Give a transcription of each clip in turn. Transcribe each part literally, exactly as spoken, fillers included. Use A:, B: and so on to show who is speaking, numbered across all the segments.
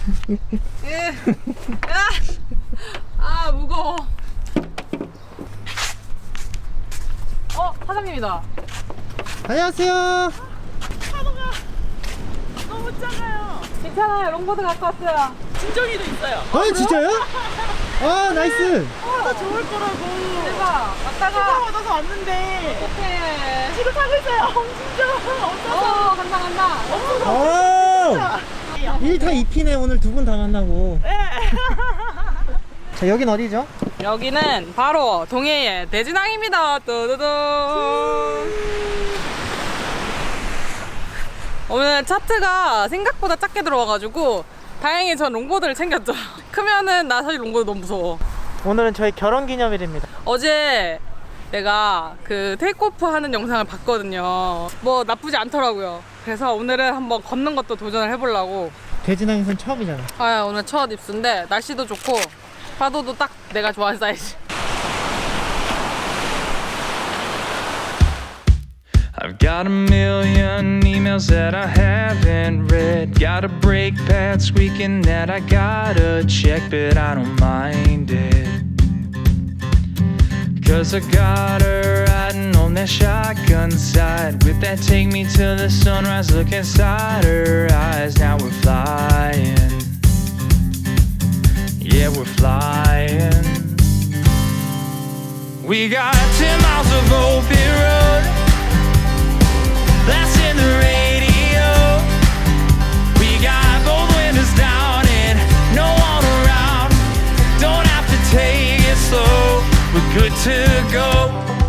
A: 예. 아 무거워. 어 사장님이다.
B: 안녕하세요.
C: 파도가 너무 작아요.
A: 괜찮아요. 롱보드 갖고 왔어요.
C: 진정이도 있어요.
B: 아 진짜요? 아 나이스.
C: 나 좋을 거라고.
A: 대박.
C: 휴가
A: 왔다가
C: 받아서 왔는데
A: 어떡해.
C: 지금 타고 있어요. 진짜 없어서.
A: 어 간다 간다.
C: 없어서.
B: 오. 일 타 이 피네 오늘 두 분 다 만나고.
C: 네.
B: 자 여긴 어디죠?
A: 여기는 바로 동해의 대진항입니다. 뚜두둥. 오늘 차트가 생각보다 작게 들어와가지고 다행히 전 롱보드를 챙겼죠. 크면은 나 사실 롱보드 너무 무서워.
B: 오늘은 저희 결혼기념일입니다.
A: 어제 내가 그 테이크오프 하는 영상을 봤거든요. 뭐 나쁘지 않더라고요. 그래서 오늘은 한번 걷는 것도 도전을 해보려고.
B: 대진항에선 처음이잖아.
A: 아 오늘 첫 입수인데 날씨도 좋고 파도도 딱 내가 좋아하는 사이즈.
D: I've got a million emails that I haven't read. Got a brake pad squeaking that I gotta check, but I don't mind it. Cause I got her riding on that shotgun side. With that take me till the sunrise, look inside her eyes. Now we're flying. Yeah, we're flying. We got ten miles of open road. That's in the radio. We got both windows down and no one around. Don't have to take it slow. We're good to go.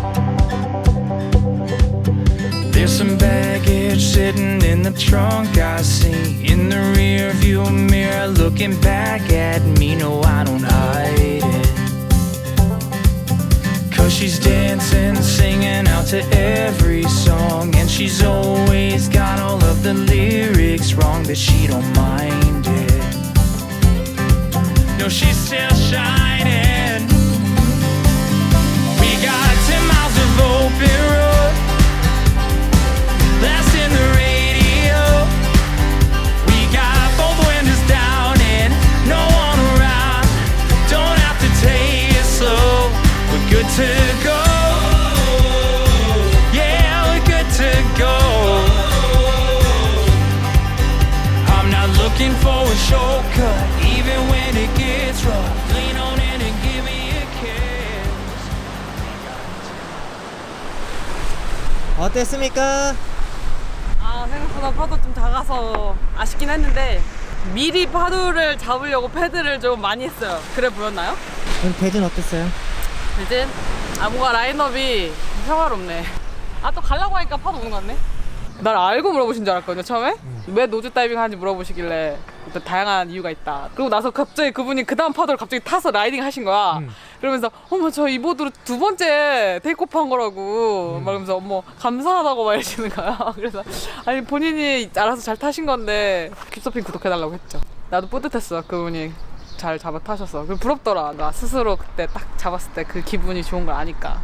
D: There's some baggage sitting in the trunk I see. In the rear view mirror looking back at me. No, I don't hide it. Cause she's dancing, singing out to every song. And she's always got all of the lyrics wrong, but she don't mind it. No, she's still shining. We got ten miles of open road. That's in the radio. We got both windows down and no one around. Don't have to take it slow. We're good to go. Yeah, we're good to go. I'm not looking for a shortcut, even when it gets rough. Lean on in and give me a kiss.
B: 어땠습니까?
A: 아 생각보다 파도 좀 작아서 아쉽긴 했는데 미리 파도를 잡으려고 패드를 좀 많이 했어요. 그래 보였나요?
B: 오늘 대진 어땠어요?
A: 대진? 아 뭔가 라인업이 평화롭네. 아 또 가려고 하니까 파도 오는 것 같네. 날 알고 물어보신 줄 알았거든요 처음에. 음. 왜 노즈 다이빙 하는지 물어보시길래 또 다양한 이유가 있다. 그리고 나서 갑자기 그분이 그 다음 파도를 갑자기 타서 라이딩 하신 거야. 음. 그러면서 어머 저 이 보드로 두 번째 테이크오프 한 거라고 음. 말하면서 어머 감사하다고 막 이러시는 거야. 그래서 아니 본인이 알아서 잘 타신 건데 킵서핑 구독해달라고 했죠. 나도 뿌듯했어. 그분이 잘 잡아 타셔서. 그리고 부럽더라. 나 스스로 그때 딱 잡았을 때 그 기분이 좋은 걸 아니까.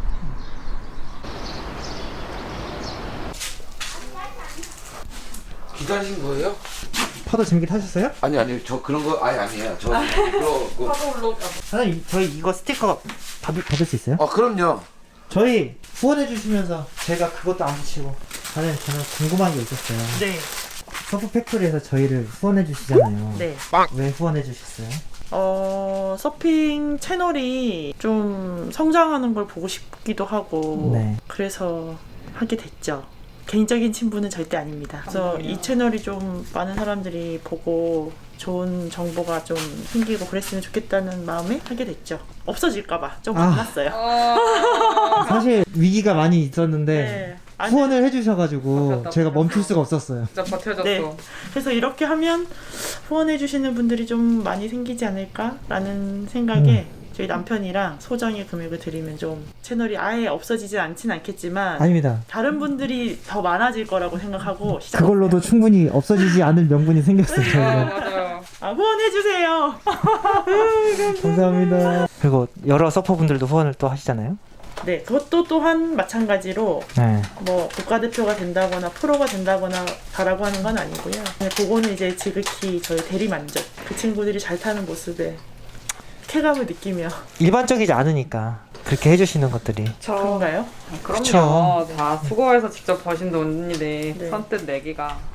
E: 기다리신 거예요?
B: 파도 재밌게 타셨어요?
E: 아니 아니 저 그런 거 아니 아니에요. 저 그거 그,
A: 파도 올라.
B: 사장님 저희 이거 스티커 받을, 받을 수 있어요?
E: 아 그럼요.
B: 저희 후원해 주시면서 제가 그것도 안 붙이고 사장님 저는 궁금한 게 있었어요.
C: 네.
B: 서프 팩토리에서 저희를 후원해 주시잖아요.
C: 네.
B: 왜 후원해 주셨어요?
C: 어, 서핑 채널이 좀 성장하는 걸 보고 싶기도 하고
B: 네.
C: 그래서 하게 됐죠. 개인적인 친분은 절대 아닙니다. 그래서 이 채널이 좀 많은 사람들이 보고 좋은 정보가 좀 생기고 그랬으면 좋겠다는 마음에 하게 됐죠. 없어질까봐 좀
B: 아.
C: 겁났어요.
B: 사실 위기가 많이 있었는데
C: 네. 아니,
B: 후원을 해주셔가지고
A: 버텼다,
B: 제가
A: 버텼어.
B: 멈출 수가 없었어요.
A: 진짜 버텨줬어.
C: 네. 그래서 이렇게 하면 후원해주시는 분들이 좀 많이 생기지 않을까라는 생각에
B: 음.
C: 저희 남편이랑 소정의 금액을 드리면 좀 채널이 아예 없어지진 않진 않겠지만
B: 아닙니다.
C: 다른 분들이 더 많아질 거라고 생각하고 시작했어요.
B: 그걸로도 충분히 없어지지 않을 명분이 생겼어요.
A: 아,
B: 저희가.
A: 맞아요.
C: 아, 후원해주세요.
B: 감사합니다. 그리고 여러 서퍼분들도 후원을 또 하시잖아요.
C: 네, 그것도 또한 마찬가지로
B: 네.
C: 뭐 국가대표가 된다거나 프로가 된다거나 바라고 하는 건 아니고요. 그냥 그거는 이제 지극히 저희 대리 만족. 그 친구들이 잘 타는 모습에 쾌감을 느끼며.
B: 일반적이지 않으니까 그렇게 해주시는 것들이.
C: 그런가요?
A: 그럼요.
B: 그쵸.
A: 다 수고해서 직접 버신 돈인데
C: 네.
A: 선뜻 내기가